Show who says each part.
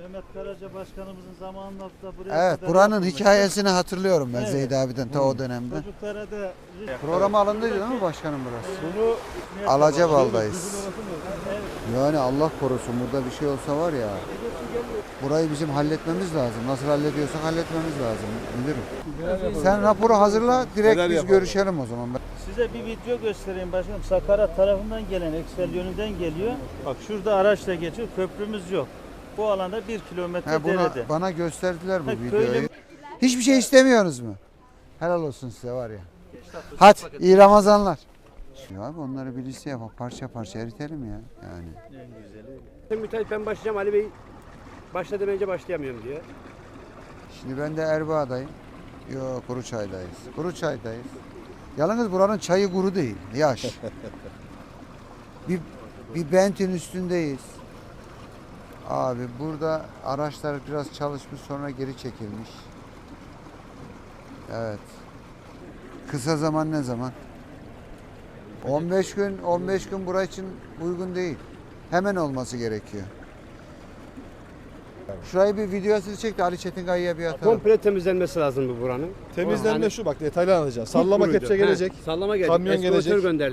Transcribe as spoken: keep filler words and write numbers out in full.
Speaker 1: Mehmet Karaca Başkanımızın zamanında da buraya
Speaker 2: Evet,
Speaker 1: kadar
Speaker 2: buranın
Speaker 1: yapılmış.
Speaker 2: hikayesini hatırlıyorum ben
Speaker 1: Evet.
Speaker 2: Zeydi abiden ta o dönemde.
Speaker 1: Çocuklara da
Speaker 2: Programa alındıydı değil mi başkanım burası?
Speaker 1: bunu
Speaker 2: Alacabaldayız.
Speaker 1: Evet.
Speaker 2: Yani Allah korusun burada bir şey olsa var ya. Burayı bizim halletmemiz lazım. Nasıl hallediyorsak halletmemiz lazım müdürüm. Sen raporu hazırla, direkt
Speaker 3: Neler
Speaker 2: biz
Speaker 3: yapalım?
Speaker 2: görüşelim o zaman.
Speaker 1: Size bir video göstereyim başkanım. Sakarya tarafından gelen Eksel yönünden geliyor. Bak şurada araçla geçiyor. Köprümüz yok. Bu alanda bir kilometre
Speaker 2: He, buna,
Speaker 1: derede.
Speaker 2: bana gösterdiler bu
Speaker 1: Ha,
Speaker 2: videoyu.
Speaker 1: köylü-
Speaker 2: Hiçbir şey istemiyorsunuz mu? Helal olsun size var ya. Hadi iyi Ramazanlar. Ya abi onları bir liste yapalım. Parça parça eritelim ya. Yani.
Speaker 1: En güzeli.
Speaker 4: Müteahhit ben başlayacağım, Ali Bey başla demeyince başlayamıyorum diyor.
Speaker 2: Şimdi ben de Erbaa'dayım. Yok Kuruçay'dayız. Kuruçay'dayız. Yalnız buranın çayı kuru değil. Yaş. bir, bir bentin üstündeyiz. Abi burada araçlar biraz çalışmış sonra geri çekilmiş. Evet. Kısa zaman ne zaman? on beş gün on beş gün burası için uygun değil. Hemen olması gerekiyor. Şurayı bir videosunu çek de Ali Çetinkaya'ya bir atalım.
Speaker 4: Komple temizlenmesi lazım bu buranın.
Speaker 3: Temizlenme
Speaker 4: Yani-
Speaker 3: şu bak detaylı anlatacağım. Sallama
Speaker 4: Kuruydu.
Speaker 3: kepçe
Speaker 4: He,
Speaker 3: gelecek.
Speaker 4: Sallama gelecek.
Speaker 3: Kamyon
Speaker 4: Eskavatör
Speaker 3: gelecek.
Speaker 4: gönderdi.